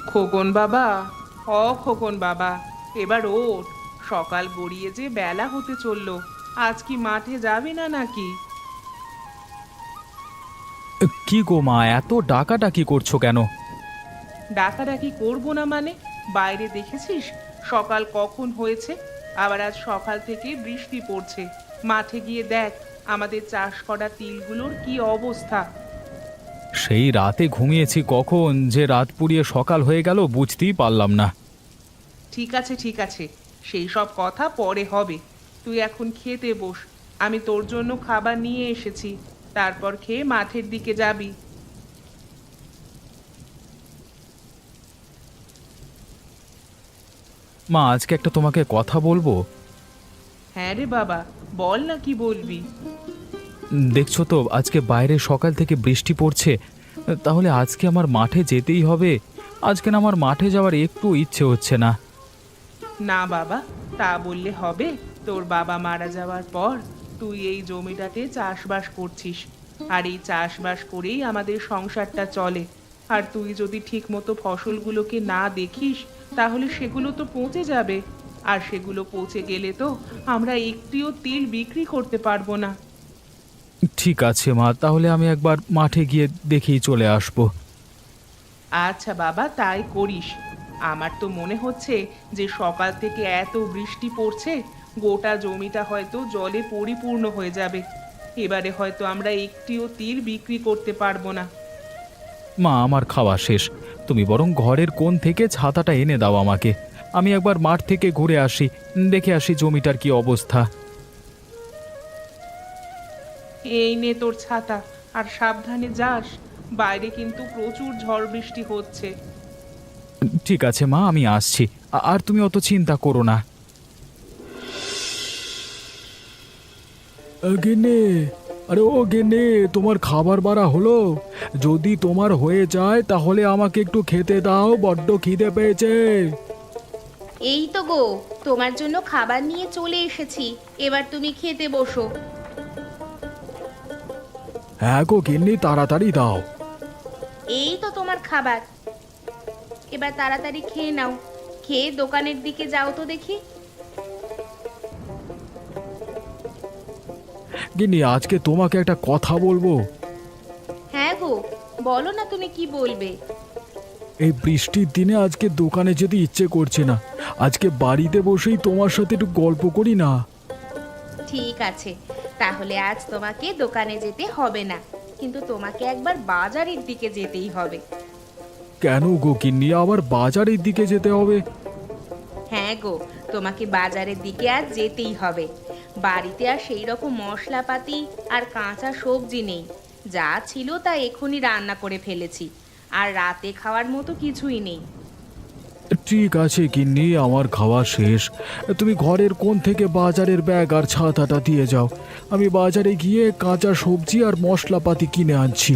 খোকন বাবা, খোকন বাবা, এবার ওঠ। সকাল গড়িয়ে যে বেলা হতে চললো। আজ কি মাঠে যাবি না নাকি? কি গো মা, এত ডাকাডাকি করছো কেন? ডাকাডাকি করবো না মানে? বাইরে দেখেছিস সকাল কখন হয়েছে? আবার আজ সকাল থেকে বৃষ্টি পড়ছে। মাঠে গিয়ে দেখ আমাদের চাষ করা তিলগুলোর কি অবস্থা। সেই রাতে ঘুমিয়েছি কখন যে রাত পুড়িয়ে সকাল হয়ে গেল বুঝতেই পারলাম না। ঠিক আছে ঠিক আছে, সেই সব কথা পরে হবে। তুই এখন খেতে বস। আমি তোর জন্য খাবার নিয়ে এসেছি। তারপর খেয়ে মাঠের দিকে যাবি। মা, আজকে একটা তোমাকে কথা বলবো। হ্যাঁ রে বাবা, বল না কি বলবি। দেখছো তো আজকে বাইরে সকাল থেকে বৃষ্টি পড়ছে, তাহলে আজকে আমার মাঠে যেতেই হবে। আজকে না আমার মাঠে যাওয়ার একটু ইচ্ছে হচ্ছে না। না বাবা, তা বললে হবে? তোর বাবা মারা যাওয়ার পর তুই এই জমিটাতে চাষবাস করছিস, আর এই চাষবাস করেই আমাদের সংসারটা চলে। আর তুই যদি ঠিক মতো ফসলগুলোকে না দেখিস, তাহলে সেগুলো তো পচে যাবে। আর সেগুলো পচে গেলে তো আমরা একটিও তিল বিক্রি করতে পারবো না। ঠিক আছে মা, তাহলে আমি একবার মাঠে গিয়ে দেখেই চলে আসবো। আচ্ছা বাবা, তাই করিস। আমার তো মনে হচ্ছে যে সকাল থেকে এত বৃষ্টি পড়ছে, গোটা জমিটা হয়তো জলে পরিপূর্ণ হয়ে যাবে। এবারে হয়তো আমরা একটিও তিল বিক্রি করতে পারবো না। মা, আমার খাওয়া শেষ। তুমি বরং ঘরের কোণ থেকে ছাতাটা এনে দাও আমাকে। আমি একবার মাঠ থেকে ঘুরে আসি, দেখে আসি জমিটার কি অবস্থা। এই নে তোর ছাতা, আর সাবধানে যাস। বাইরে কিন্তু প্রচুর ঝড় বৃষ্টি হচ্ছে। ঠিক আছে মা, আমি আসছি। আর তুমি অত চিন্তা করো না। গেনে, আরে ও গেনে, তোমার খাবার বাড়া হলো? যদি তোমার হয়ে যায় তাহলে আমাকে একটু খেতে দাও, বড্ড খিদে পেয়েছে। এই তো গো, তোমার জন্য খাবার নিয়ে চলে এসেছি। এবার তুমি খেতে বসো। হ্যাঁ গো গিন্নি, তাড়াতাড়ি দাও। এই তো তোমার খাবার। এবার তাড়াতাড়ি খেয়ে নাও। খেয়ে দোকানের দিকে যাও তো দেখি। গিন্নি, আজকে তোমাকে একটা কথা বলবো। হ্যাঁ গো, বলো না তুমি কি বলবে। এই বৃষ্টির দিনে আজকে দোকানে যেতে ইচ্ছে করছে না। আজকে বাড়িতে বসেই তোমার সাথে একটু গল্প করি না? ঠিক আছে, তাহলে আজ তোমাকে দোকানে যেতে হবে না, কিন্তু তোমাকে একবার বাজারের দিকে যেতেই হবে। কেন গো গিন্নি, আবার বাজারের দিকে যেতে হবে? হ্যাঁ গো, তোমাকে বাজারের দিকে আজ যেতেই হবে। বাড়িতে আর সেই রকম মশলাপাতি আর কাঁচা সবজি নেই। যা ছিল তা এখনই রান্না করে ফেলেছি, আর রাতে খাওয়ার মতো কিছুই নেই। ঠিক আছে গিন্নি, আমার খাওয়া শেষ। তুমি ঘরের কোণ থেকে বাজারের ব্যাগ আর ছাতাটা দিয়ে যাও। আমি বাজারে গিয়ে কাঁচা সবজি আর মশলাপাতি কিনে আনছি।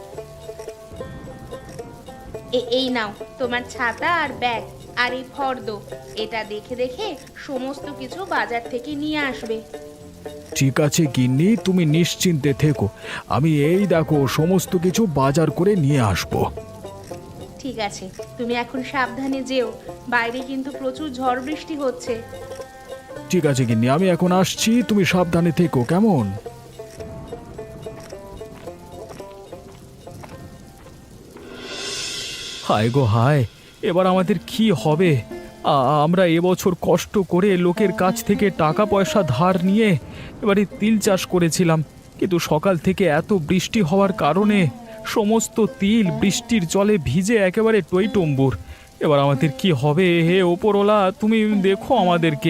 এই নাও তোমার ছাতা আর ব্যাগ, আর এই ফর্দ। এটা দেখে দেখে সমস্ত কিছু বাজার থেকে নিয়ে আসবে। ঠিক আছে গিন্নি, তুমি নিশ্চিন্তে থেকো। আমি এই দেখো সমস্ত কিছু বাজার করে নিয়ে আসবো। ঠিক আছে, তুমি এখন সাবধানে যেও। বাইরে কিন্তু প্রচুর ঝড় বৃষ্টি হচ্ছে। ঠিক আছে গিন্নি, আমি এখন আসছি, তুমি সাবধানে থেকো কেমন। হায় গো হায়, এবার আমাদের কি হবে? আমরা এবছর কষ্ট করে লোকের কাছ থেকে টাকা পয়সা ধার নিয়ে এবারে তিল চাষ করেছিলাম, কিন্তু সকাল থেকে এত বৃষ্টি হওয়ার কারণে সমস্ত তিল বৃষ্টির জলে ভিজে একেবারে টইটম্বুর। এবার আমাদের কি হবে? হে ওপরওয়ালা, তুমি দেখো আমাদেরকে।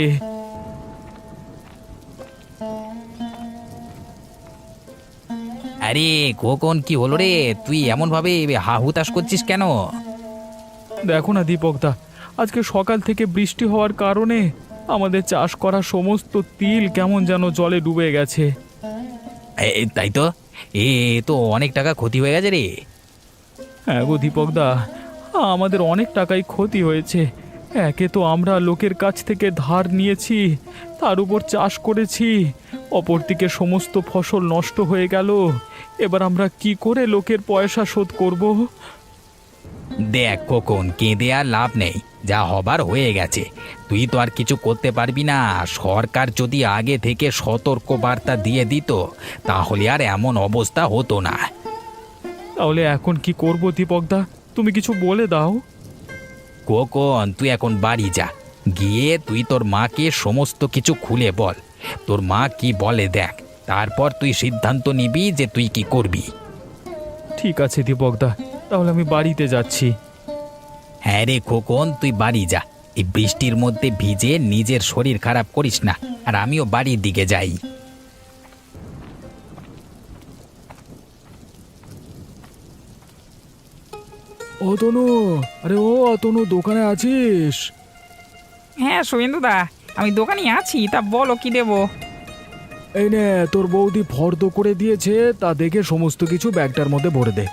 আরে খোকন, কি হলো রে? তুই এমন ভাবে হা হুতাশ করছিস কেন? দেখো না দীপকদা, আজকে সকাল থেকে বৃষ্টি হওয়ার কারণে আমাদের চাষ করা সমস্ত তিল কেমন যেন জলে ডুবে গেছে। তাই তো, এ তো অনেক টাকা ক্ষতি হয়ে গেছে রে। হ্যাঁ গো দীপকদা, আমাদের অনেক টাকাই ক্ষতি হয়েছে। একে তো আমরা লোকের কাছ থেকে ধার নিয়েছি, তার উপর চাষ করেছি, অপরদিকে সমস্ত ফসল নষ্ট হয়ে গেল। এবার আমরা কি করে লোকের পয়সা শোধ করব? দেখ খোকন, কেঁদে আর লাভ নেই, যা হবার হয়ে গেছে। তুই তো আর কিছু করতে পারবি না। সরকার যদি আগে থেকে সতর্ক বার্তা দিয়ে দিত তাহলে আর এমন অবস্থা হতো না। তাহলে এখন কি করব দীপকদা, তুমি কিছু বলে দাও। খোকন, তুই এখন বাড়ি যা, গিয়ে তুই তোর মাকে সমস্ত কিছু খুলে বল। তোর মা কি বলে দেখ, তারপর তুই সিদ্ধান্ত নিবি যে তুই কি করবি। ঠিক আছে দীপকদা, তাহলে আমি বাড়িতে যাচ্ছি। হ্যাঁ রে খোকন, তুই বাড়ি যা। এই বৃষ্টির মধ্যে ভিজে নিজের শরীর খারাপ করিস না। আর আমিও বাড়ির দিকে যাই। অতনু, আরে ও অতনু, দোকানে আছিস? হ্যাঁ শুভেন্দুদা, আমি দোকানে আছি, তা বলো কি দেবো? এই নে, তোর বৌদি ফর্দ করে দিয়েছে, তা দেখে সমস্ত কিছু ব্যাগটার মধ্যে ভরে দে।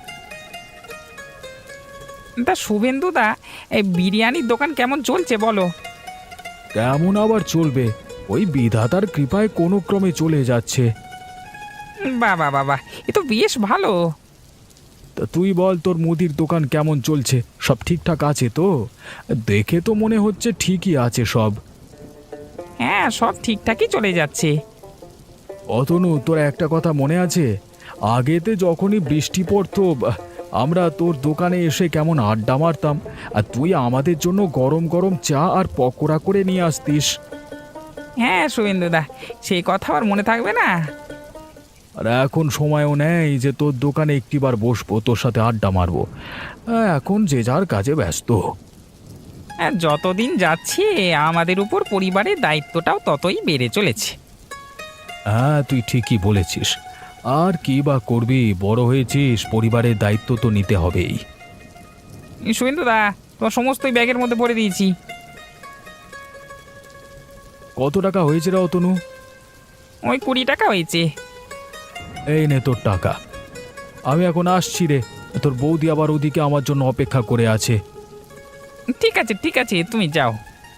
তা শুভেন্দুদা, এই বিরিয়ানির দোকান কেমন চলছে বলো? কেমন আবার চলবে, ওই বিধাতার কৃপায় কোনো ক্রমে চলে যাচ্ছে। বাবা বাবা, এ তো বেশ ভালো। তা তুই বল, তোর মুদির দোকান কেমন চলছে? সব ঠিকঠাক আছে তো? দেখে তো মনে হচ্ছে ঠিকই আছে সব। হ্যাঁ, সব ঠিকঠাকই চলে যাচ্ছে। অতনু, তোর একটা কথা মনে আছে? আগেতে যখনই বৃষ্টি পড়তো, আমরা তোর দোকানে এসে কেমন আড্ডা মারতাম, আর তুই আমাদের জন্য গরম গরম চা আর পকোড়া করে নিয়ে আসতিস। হ্যাঁ শুভেন্দুদা, সেই কথা আর মনে থাকবে না? আর এখন সময়ও নেই যে তোর দোকানে একটিবার বসবো, তোর সাথে আড্ডা মারবো। এখন যে যার কাজে ব্যস্ত। হ্যাঁ, যতদিন যাচ্ছে আমাদের উপর পরিবারের দায়িত্বটাও ততই বেড়ে চলেছে। হ্যাঁ, তুই ঠিকই বলেছিস। আর কি বা করবি, বড় হয়েছিস, পরিবারের দায়িত্ব তো নিতে হবেই। শুভেন্দুদা, তোমার সমস্তই ব্যাগের মধ্যে ভরে দিয়েছি। কত টাকা হয়েছে রে অতনু? ওই 20 টাকা হয়েছে। এই নে তোর টাকা। আমি এখন আসছি রে, তোর বৌদি আবার ওদিকে আমার জন্য অপেক্ষা করে আছে। ঠিক আছে ঠিক আছে, তুমি যাও।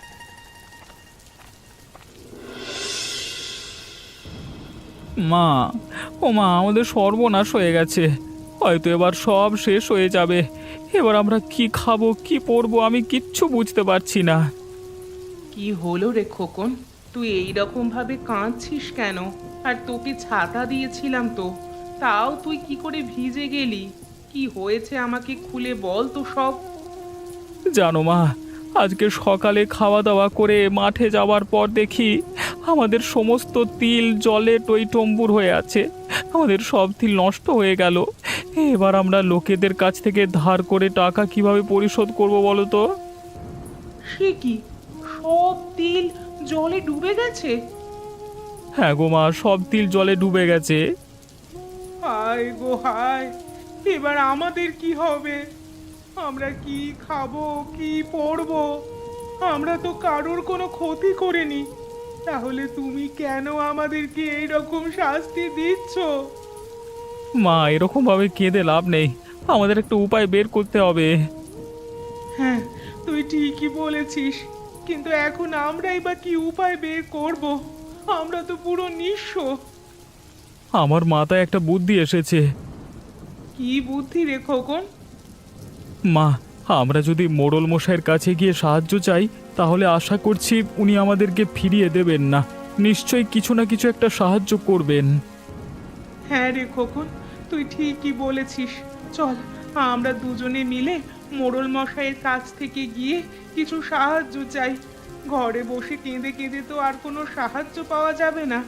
মা, ও মা, আমাদের সর্বনাশ হয়ে গেছে, হয়তো এবার সব শেষ হয়ে যাবে। এবার আমরা কি খাবো, কি পরবো, আমি কিচ্ছু বুঝতে পারছি না। কি হলো রে খোকন, তুই এই রকম ভাবে কাঁদছিস কেন? আর তোকে ছাতা দিয়েছিলাম তো, তাও তুই কি করে ভিজে গেলি? কি হয়েছে আমাকে খুলে বল তো সব। জানো মা, আজকে সকালে খাওয়া দাওয়া করে মাঠে যাওয়ার পর দেখি আমাদের সমস্ত তিল জলে টইটম্বুর হয়ে আছে। আমাদের সব তিল নষ্ট হয়ে গেল। এবার আমরা লোকেদের কাছ থেকে ধার করে টাকা কিভাবে পরিশোধ করব বলো তো? সে কি, সব তিল জলে ডুবে গেছে? হ্যাঁ গো মা, সব তিল জলে ডুবে গেছে। হায় গো হায়, এবার আমাদের কি হবে? আমরা কি খাবো, কি পরবো? আমরা তো কারোর কোনো ক্ষতি করিনি, তাহলে তুমি কেন আমাদেরকে এইরকম শাস্তি দিচ্ছ? মা, এরকম ভাবে কেঁদে লাভ নেই, আমাদের একটা উপায় বের করতে হবে। হ্যাঁ, তুই ঠিকই বলেছিস, কিন্তু এখন আমরাই বা কি উপায় বের করব? আমরা তো পুরো নিঃস্ব। আমার মাথায় একটা বুদ্ধি এসেছে। কি বুদ্ধি রে খোকন? মা, আমরা যদি মোড়ল মশাইয়ের কাছে গিয়ে সাহায্য চাই, তাহলে আশা করছি উনি আমাদেরকে ফিরিয়ে দেবেন না, নিশ্চয়ই কিছু না কিছু একটা সাহায্য করবেন। হ্যাঁ রে খোকন, তুই ঠিকই বলেছিস। চল, আমরা দুজনে মিলে মোড়ল মশাইয়ের কাছ থেকে গিয়ে কিছু সাহায্য চাই। ঘরে বসে কেঁদে কেঁদে তো আর কোনো সাহায্য পাওয়া যাবে না।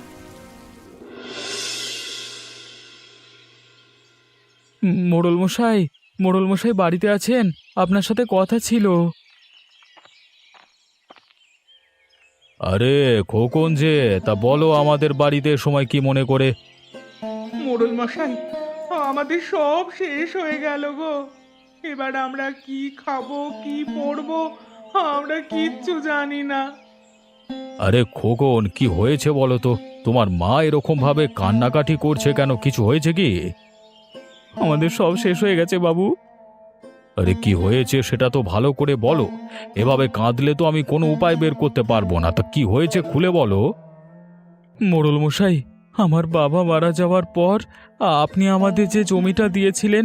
মোড়ল মশাই, মোড়ল মশাই বাড়িতে আছেন? আপনার সাথে কথা ছিল। আরে খোকন যে, তা বলো আমাদের বাড়িতে সময় কি মনে করে? মোড়ল মশাই, আমাদের সব শেষ হয়ে গেল গো। এবার আমরা কি খাবো, কি পরবো, আমরা কিচ্ছু জানি না। আরে খোকন, কি হয়েছে বলো তো? তোমার মা এরকম ভাবে কান্নাকাটি করছে কেন, কিছু হয়েছে কি? আমাদের সব শেষ হয়ে গেছে বাবু। আরে কি হয়েছে সেটা তো ভালো করে বলো, এভাবে কাঁদলে তো আমি কোনো উপায় বের করতে পারবো না। তা কি হয়েছে খুলে বলো। মোড়ল মশাই, আমার বাবা মারা যাওয়ার পর আপনি আমাদের যে জমিটা দিয়েছিলেন,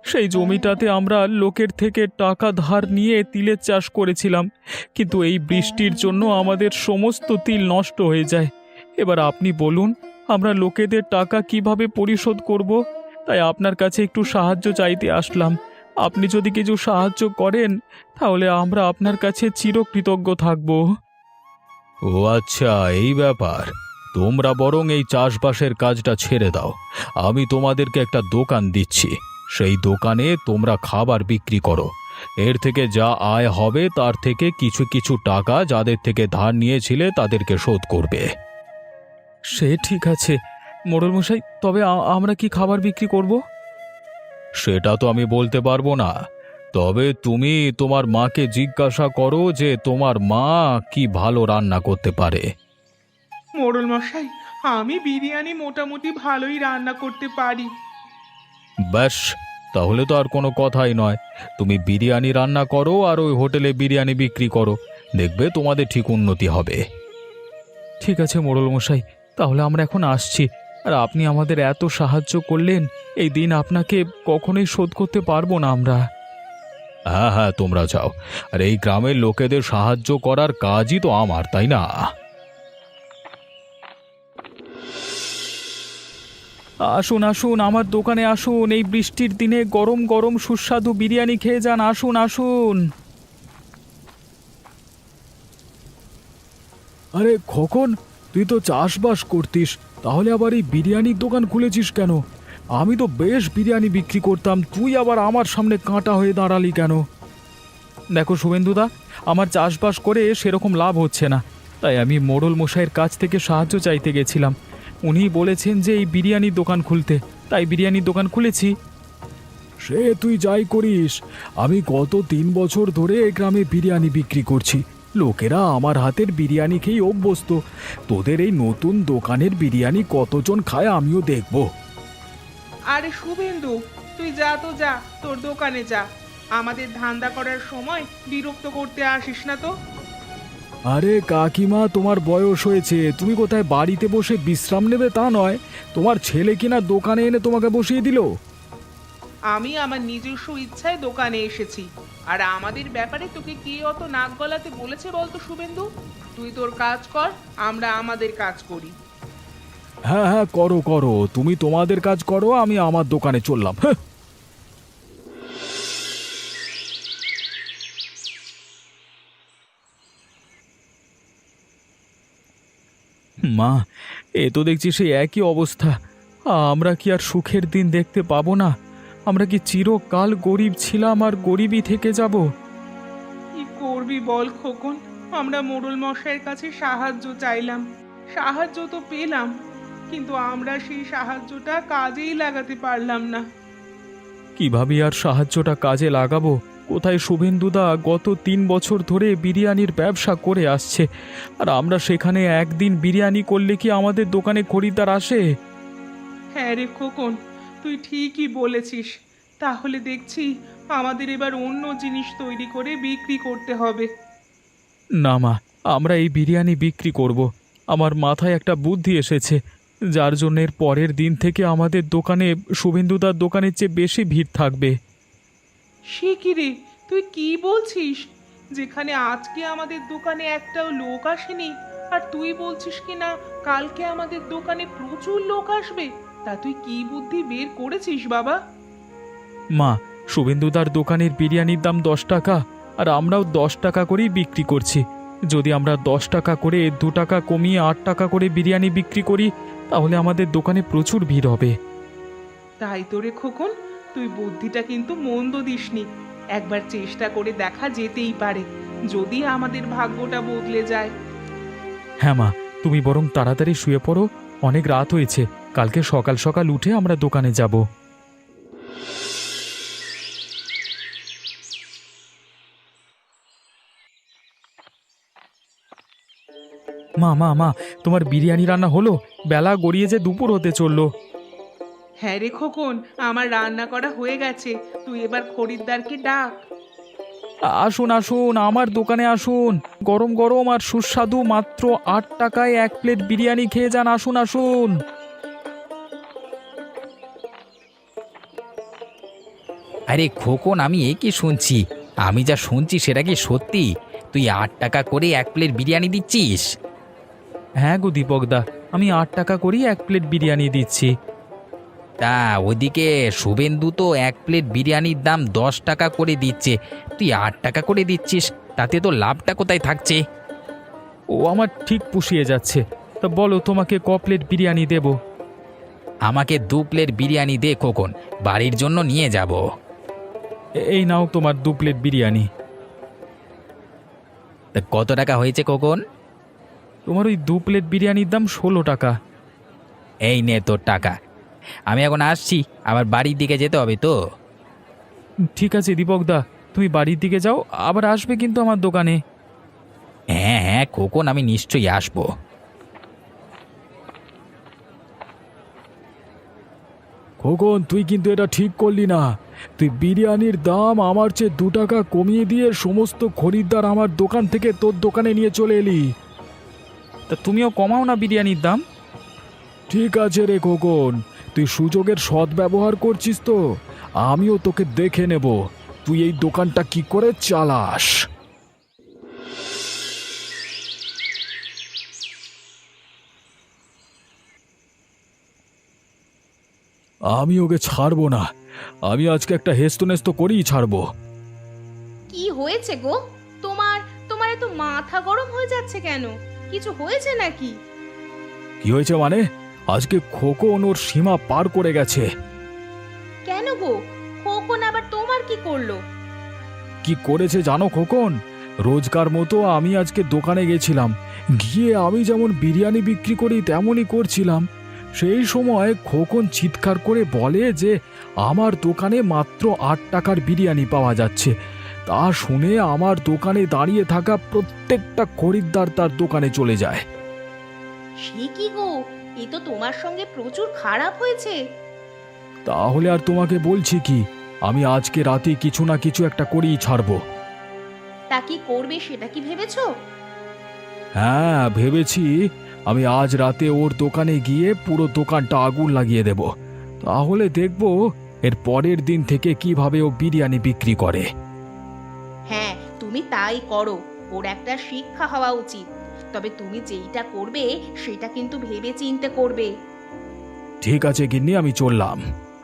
সেই জমিটাতে আমরা লোকের থেকে টাকা ধার নিয়ে তিলের চাষ করেছিলাম, কিন্তু এই বৃষ্টির জন্য আমাদের সমস্ত তিল নষ্ট হয়ে যায়। এবার আপনি বলুন, আমরা লোকেদের টাকা কিভাবে পরিশোধ করব? তাই আপনার কাছে একটু সাহায্য চাইতে আসলাম। আপনি যদি কিছু সাহায্য করেন তাহলে আমরা আপনার কাছে চিরকৃতজ্ঞ থাকব। ও আচ্ছা, এই ব্যাপার। তোমরা বরং এই চাষবাসের কাজটা ছেড়ে দাও। আমি তোমাদেরকে একটা দোকান দিচ্ছি, সেই দোকানে তোমরা খাবার বিক্রি করো। এর থেকে যা আয় হবে তার থেকে কিছু কিছু টাকা যাদের থেকে ধার নিয়েছিলে তাদেরকে শোধ করবে। সে ঠিক আছে মোড়ল মশাই, তবে আমরা কি খাবার বিক্রি করব? সেটা তো আমি বলতে পারবো না, তবে তুমি তোমার মাকে জিজ্ঞাসা করো যে তোমার মা কি ভালো রান্না করতে পারে। মোড়ল মশাই, আমি বিরিয়ানি মোটামুটি ভালোই রান্না করতে পারি। ব্যাস, তাহলে তো আর কোনো কথাই নয়। তুমি বিরিয়ানি রান্না করো আর ওই হোটেলে বিরিয়ানি বিক্রি করো, দেখবে তোমাদের ঠিক উন্নতি হবে। ঠিক আছে মোড়ল মশাই, তাহলে আমরা এখন আসছি। আর আপনি আমাদের এত সাহায্য করলেন, এই দিন আপনাকে কখনোই শোধ করতে পারবো না আমরা। হ্যাঁ হ্যাঁ, তোমরা যাও। আর এই গ্রামের লোকেদের সাহায্য করার কাজই তো আমার, তাই না? আসুন আসুন, আমার দোকানে আসুন। এই বৃষ্টির দিনে গরম গরম সুস্বাদু বিরিয়ানি খেয়ে যান। আসুন আসুন। আরে খোকন, তুই তো চাষবাস করতিস, তাহলে আবার এই বিরিয়ানির দোকান খুলেছিস কেন? আমি তো বেশ বিরিয়ানি বিক্রি করতাম, তুই আবার আমার সামনে কাঁটা হয়ে দাঁড়ালি কেন? দেখো শুভেন্দুদা, আমার চাষবাস করে সেরকম লাভ হচ্ছে না, তাই আমি মোড়ল মশাইয়ের কাছ থেকে সাহায্য চাইতে গেছিলাম। উনি বলেছেন যে এই বিরিয়ানির দোকান খুলতে, তাই বিরিয়ানির দোকান খুলেছি। সে তুই যাই করিস, আমি গত 3 বছর ধরে এই গ্রামে বিরিয়ানি বিক্রি করছি। লোকেরা আমার হাতের বিরিয়ানি খেয়ে অভ্যস্ত। তোদের এই নতুন দোকানের বিরিয়ানি কতজন খায় আমিও দেখব। আরে শুভেন্দু, তুই যা তো যা, তোর দোকানে যা। আমাদের ধান্দা করার সময় বিরক্ত করতে আসিস না তো। আরে কাকিমা, তোমার বয়স হয়েছে, তুমি কোথায় বাড়িতে বসে বিশ্রাম নেবে তা নয়, তোমার ছেলে কিনা দোকানে এনে তোমাকে বসিয়ে দিল। আমি আমার নিজস্ব ইচ্ছায় দোকানে এসেছি, আর আমাদের ব্যাপারে তোকে কে অত নাক গলাতে বলেছে বলতো শুভেন্দু? তুই তোর কাজ কর, আমরা আমাদের কাজ করি। হ্যাঁ হ্যাঁ, করো করো, তুমি তোমাদের কাজ করো, আমি আমার দোকানে চললাম। হ্যাঁ। মা, এ তো দেখছি সেই একই অবস্থা। আমরা কি আর সুখের দিন দেখতে পাবো না? আমরা কি চিরকাল গরিব ছিলাম আর গরিবই থেকে যাব? কি করবি বল খোকন? আমরা মোড়ল মশাইয়ের কাছে সাহায্য চাইলাম, সাহায্য তো পেলাম, কিন্তু আমরা সেই সাহায্যটা কাজেই লাগাতে পারলাম না। কিভাবে আর সাহায্যটা কাজে লাগাবো? কোথায় শুভেন্দুদা গত 3 বছর ধরে বিরিয়ানির ব্যবসা করে আসছে, আর আমরা সেখানে একদিন বিরিয়ানি করলে কি আমাদের দোকানে খরিদ্দার আসে? হ্যাঁ রে খোকন, তুই ঠিকই বলেছিস। তাহলে দেখছি আমাদের এবার অন্য জিনিস তৈরি করে বিক্রি করতে হবে। না মা, আমরা এই বিরিয়ানি বিক্রি করব। আমার মাথায় একটা বুদ্ধি এসেছে, যার জন্য এর পরের দিন থেকে আমাদের দোকানে শুভেন্দুদার দোকানের চেয়ে বেশি ভিড় থাকবে। সে কি রে, তুই কি বলছিস? যেখানে আজকে আমাদের দোকানে একটাও লোক আসেনি, আর তুই বলছিস কি না কালকে আমাদের দোকানে প্রচুর লোক আসবে? তা তুই কি বুদ্ধি বের করেছিস বাবা? মা, শুভেন্দুদার দোকানের বিরিয়ানির দাম 10 টাকা, আর আমরাও 10 টাকা করেই বিক্রি করছি। যদি আমরা 10 টাকা করে 2 টাকা কমিয়ে 8 টাকা করে বিরিয়ানি বিক্রি করি, তাহলে আমাদের দোকানে প্রচুর ভিড় হবে। তাই তো রে খোকন, তুই বুদ্ধিটা কিন্তু মন্দ দিসনি। একবার চেষ্টা করে দেখা যেতেই পারে, যদি আমাদের ভাগ্যটা বদলে যায়। হ্যাঁ মা, তুমি বরং তাড়াতাড়ি শুয়ে পড়ো, অনেক রাত হয়েছে। কালকে সকাল সকাল উঠে আমরা দোকানে যাব। মা মা মা, তোমার বিরিয়ানি রান্না হলো? বেলা গড়িয়ে যে দুপুর হতে চললো। হ্যাঁ রে খোকন, আমার রান্না করা হয়ে গেছে, তুই এবার খরিদ্দারকে ডাক। আসুন আসুন, আমার দোকানে আসুন। গরম গরম আর সুস্বাদু মাত্র 8 টাকায় 1 প্লেট বিরিয়ানি খেয়ে যান। আসুন আসুন। আরে খোকন, আমি এ কি শুনছি? আমি যা শুনছি সেটা কি সত্যি? তুই 8 টাকা করে 1 প্লেট বিরিয়ানি দিচ্ছিস? হ্যাঁ গো দীপকদা, আমি 8 টাকা করেই 1 প্লেট বিরিয়ানি দিচ্ছি। তা ওদিকে শুভেন্দু তো 1 প্লেট বিরিয়ানির দাম 10 টাকা করে দিচ্ছে, তুই 8 টাকা করে দিচ্ছিস, তাতে তো লাভটা কোথায় থাকছে? ও আমার ঠিক পুষিয়ে যাচ্ছে। তা বলো, তোমাকে ক প্লেট বিরিয়ানি দেব? আমাকে 2 প্লেট বিরিয়ানি দে খোকন, বাড়ির জন্য নিয়ে যাব। এই নাও তোমার 2 প্লেট বিরিয়ানি। তা কত টাকা হয়েছে খোকন? তোমার ওই 2 প্লেট বিরিয়ানির দাম 16 টাকা। এই নে তোর টাকা। আমি এখন আসছি, আবার বাড়ির দিকে যেতে হবে তো। ঠিক আছে দীপকদা, তুমি বাড়ির দিকে যাও, আবার আসবে কিন্তু আমার দোকানে। হ্যাঁ হ্যাঁ খোকন, আমি নিশ্চয়ই আসবো। খোকন, তুই কিন্তু এটা ঠিক করলি না। তুই বিরিয়ানির দাম আমার চেয়ে 2 টাকা কমিয়ে দিয়ে সমস্ত খরিদ্দার আমার দোকান থেকে তোর দোকানে নিয়ে চলে এলি। তা তুমিও কমাও না বিরিয়ানির দাম। ঠিক আছে রে খোকন, তুই সুযোগের সদ্ব্যবহার করছিস তো। আমিও তোকে দেখে নেব তুই এই দোকানটা কি করে চালাস। আমি ওকে ছাড়বো না। আমি আজকে একটা হেস্তনেস্ত করেই ছাড়বো। কি হয়েছে গো? তোমার তোমার এত মাথা গরম হয়ে যাচ্ছে কেন? কিছু হয়েছে নাকি? কি হয়েছে মানে? আজকে খোকন ওর সীমা পার করে গেছে। কেন গো? খোকন আবার তোমার কি করলো? কি করেছে জানো খোকন? রোজকার মতো আমি আজকে দোকানে গেছিলাম, গিয়ে আমি যেমন বিরিয়ানি বিক্রি করি তেমনই করছিলাম। সেই সময় খোকন চিৎকার করে বলে যে আমার দোকানে মাত্র 8 টাকার বিরিয়ানি পাওয়া যাচ্ছে। তা শুনে আমার দোকানে দাঁড়িয়ে থাকা প্রত্যেকটা খরিদ্দার তার দোকানে চলে যায়। সে কি গো? এ তো তোমার সঙ্গে প্রচুর খারাপ হয়েছে। তাহলে আর তোমাকে বলছি কি, আমি আজকে রাতে কিছু না কিছু একটা করেই ছাড়বো। তা কি করবে সেটা কি ভেবেছো? হ্যাঁ ভেবেছি, আমি আজ রাতে ওর দোকানে গিয়ে পুরো দোকানটা আগুন লাগিয়ে দেব। তাহলে দেখব এর পরের দিন থেকে কিভাবে ও বিরিয়ানি বিক্রি করে। হ্যাঁ, তুমি তাই করো। ওর একটা শিক্ষা হওয়া উচিত। তবে তুমি যেইটা করবে সেটা কিন্তু ভেবে চিন্তে করবে। ঠিক আছে গিন্নি, আমি চললাম।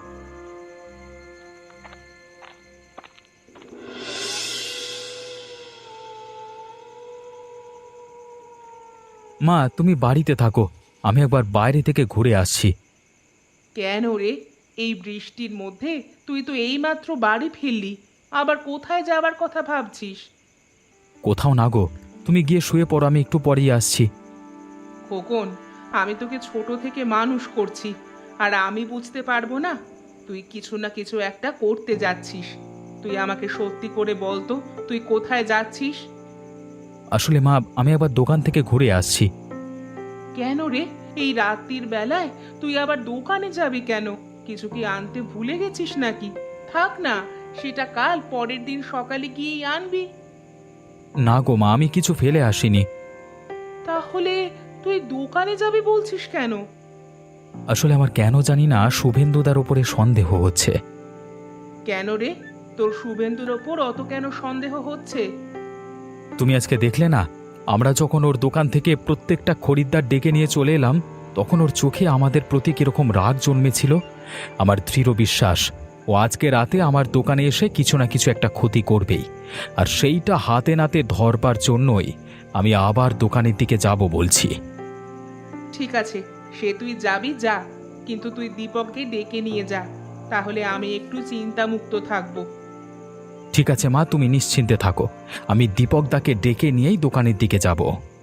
মা, তুমি বাড়িতে থাকো, আমি একবার বাইরে থেকে ঘুরে আসছি। কেন রে? এই বৃষ্টির মধ্যে তুই তো এইমাত্র বাড়ি ফিরলি, আবার কোথায় যাবার কথা ভাবছিস? কোথাও না গো, তুমি গিয়ে শুয়ে পড়ো, আমি একটু পরেই আসছি। খোকন, আমি তোকে ছোট থেকে মানুষ করছি, আর আমি বুঝতে পারবো না? তুই কিছু না কিছু একটা করতে যাচ্ছিস। তুই আমাকে সত্যি করে বল তো, তুই কোথায় যাচ্ছিস? আসলে মা, আমি একবার দোকান থেকে ঘুরে আসছি। কেন রে? এই রাত্রির বেলায় তুই আবার দোকানে যাবি কেন? কিছু কি আনতে ভুলে গেছিস নাকি? থাক না, সেটা কাল পরের দিন সকালে গিয়েই আনবি। না গো মা, আমি কিছু ফেলে আসিনি। তাহলে তুই দোকানে যাবি বলছিস কেন? আসলে আমার কেন জানি না শুভেন্দুদার উপরে সন্দেহ হচ্ছে। কেন রে? তোর শুভেন্দুর ওপর অত কেন সন্দেহ হচ্ছে? তুমি আজকে দেখলে না, আমরা যখন ওর দোকান থেকে প্রত্যেকটা খরিদ্দার ডেকে নিয়ে চলে এলাম, তখন ওর চোখে আমাদের প্রতি কিরকম রাগ জন্মেছিল। আমার দৃঢ় বিশ্বাস ও আজকে রাতে আমার দোকানে এসে কিছু না কিছু একটা ক্ষতি করবেই, আর সেইটা হাতে নাতে ধরবার জন্যই আমি আবার দোকানের দিকে যাব বলছি। ঠিক আছে, সে তুই যাবি যা, কিন্তু তুই দীপককে ডেকে নিয়ে যা, তাহলে আমি একটু চিন্তামুক্ত থাকবো। ঠিক আছে মা, তুমি নিশ্চিন্তে থাকো, আমি দীপকদাকে ডেকে নিয়েই দোকানের দিকে যাব।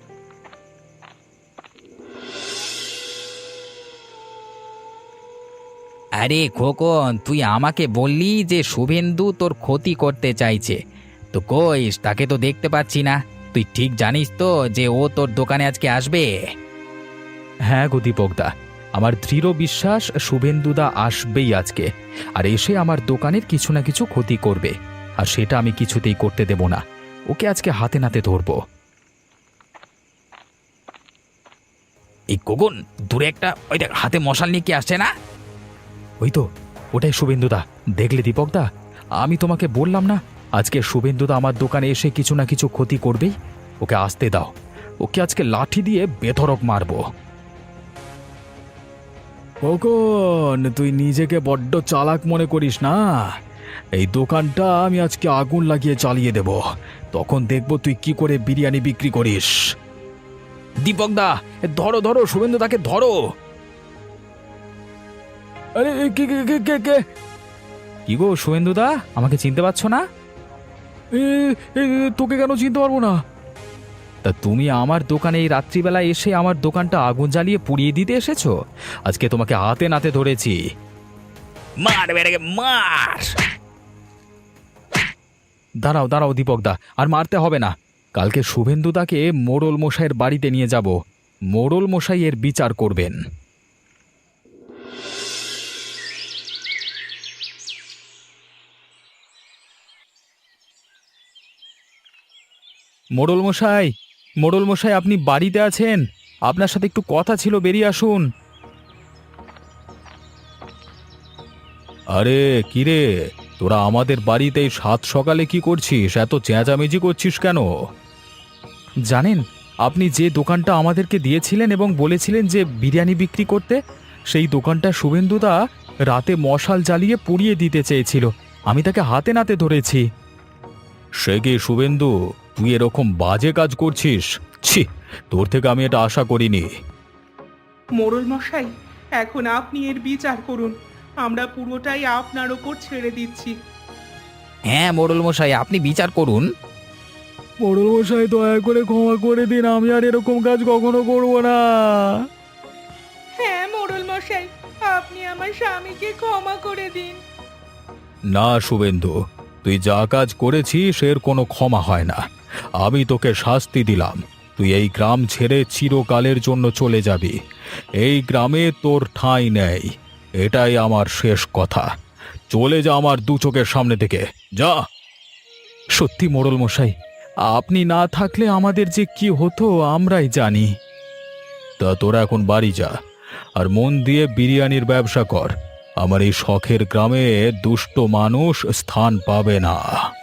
আরে খোকন, তুই আমাকে বললি যে শুভেন্দু তোর ক্ষতি করতে চাইছে, তো কইস তাকে তো দেখতে পাচ্ছি না। তুই ঠিক জানিস তো যে ও তোর দোকানে আজকে আসবে? হ্যাঁ গো দীপকদা, আমার দৃঢ় বিশ্বাস শুভেন্দুদা আসবেই আজকে, আর এসে আমার দোকানের কিছু না কিছু ক্ষতি করবে, আর সেটা আমি কিছুতেই করতে দেব না। ওকে আজকে হাতে নাতে ধরবো। এই খোকন, দূরে একটা ওই দেখ, হাতে মশাল নিয়ে কি আসছে না? ওই তো, ওটাই শুভেন্দুদা। দেখলে দীপকদা, আমি তোমাকে বললাম না আজকে শুভেন্দুদা আমার দোকানে এসে কিছু না কিছু ক্ষতি করবেই। ওকে আসতে দাও, ওকে আজকে লাঠি দিয়ে বেধড়ক মারবো। কখন তুই নিজেকে বড্ড চালাক মনে করিস না? এই দোকানটা আমি আজকে আগুন লাগিয়ে চালিয়ে দেব, তখন দেখব তুই কি করে বিরিয়ানি বিক্রি করিস। দীপক দা, ধরো ধরো, শুভেন্দু তাকে ধরো। আরে কে কে কে কে কে? কি গো শুভেন্দু দা, আমাকে চিনতে পারছো না? তোকে কেন চিনতে পারবো না? তা তুমি আমার দোকানে এই রাত্রিবেলা এসে আমার দোকানটা আগুন জ্বালিয়ে পুড়িয়ে দিতে এসেছো। আজকে তোমাকে হাতে নাতে ধরেছি। মার বেড়ে মার। দাঁড়াও দাঁড়াও দীপক দা, আর মারতে হবে না। কালকে শুভেন্দুদাকে মোড়ল মশাইয়ের বাড়িতে নিয়ে যাব, মোড়ল মশাই এর বিচার করবেন। মোড়ল মশাই, মোড়ল মশাই, আপনি বাড়িতে আছেন? আপনার সাথে একটু কথা ছিল, বেরিয়ে আসুন। আরে কিরে, তোরা আমাদের বাড়িতে সাত সকালে কি করছিস? এত চেঁচামেচি করছিস কেন? জানেন, আপনি যে দোকানটা আমাদেরকে দিয়েছিলেন এবং বলেছিলেন যে বিরিয়ানি বিক্রি করতে, সেই দোকানটা শুভেন্দুদা রাতে মশাল জ্বালিয়ে পুড়িয়ে দিতে চেয়েছিল। আমি তাকে হাতে নাতে ধরেছি। সে কি শুভেন্দু, তুই এরকম বাজে কাজ করছিস? ছি, তোর থেকে আমি এটা আশা করিনি। মোড়ল মশাই, এখন আপনি এর বিচার করুন। আমরা পুরোটাই আপনার ওপর ছেড়ে দিচ্ছি। হ্যাঁ মোড়ল মশাই, আপনি বিচার করুন। মোড়ল মশাই, দয়া করে ক্ষমা করে দিন, আমি আর এরকম কাজ কখনো করব না। হ্যাঁ মোড়ল মশাই, আপনি আমার স্বামীকে ক্ষমা করে দিন। না শুভেন্দু, তুই যা কাজ করেছিস এর কোনো ক্ষমা হয় না। আমি তোকে শাস্তি দিলাম, তুই এই গ্রাম ছেড়ে চিরকালের জন্য চলে যাবি। এই গ্রামে তোর ঠাঁই নেই, এটাই আমার শেষ কথা। চলে যা আমার দু চোখের সামনে থেকে, যা। সত্যি মোড়ল মশাই, আপনি না থাকলে আমাদের যে কি হতো আমরাই জানি। তা তোরা এখন বাড়ি যা, আর মন দিয়ে বিরিয়ানির ব্যবসা কর। আমার এই শখের গ্রামে দুষ্ট মানুষ স্থান পাবে না।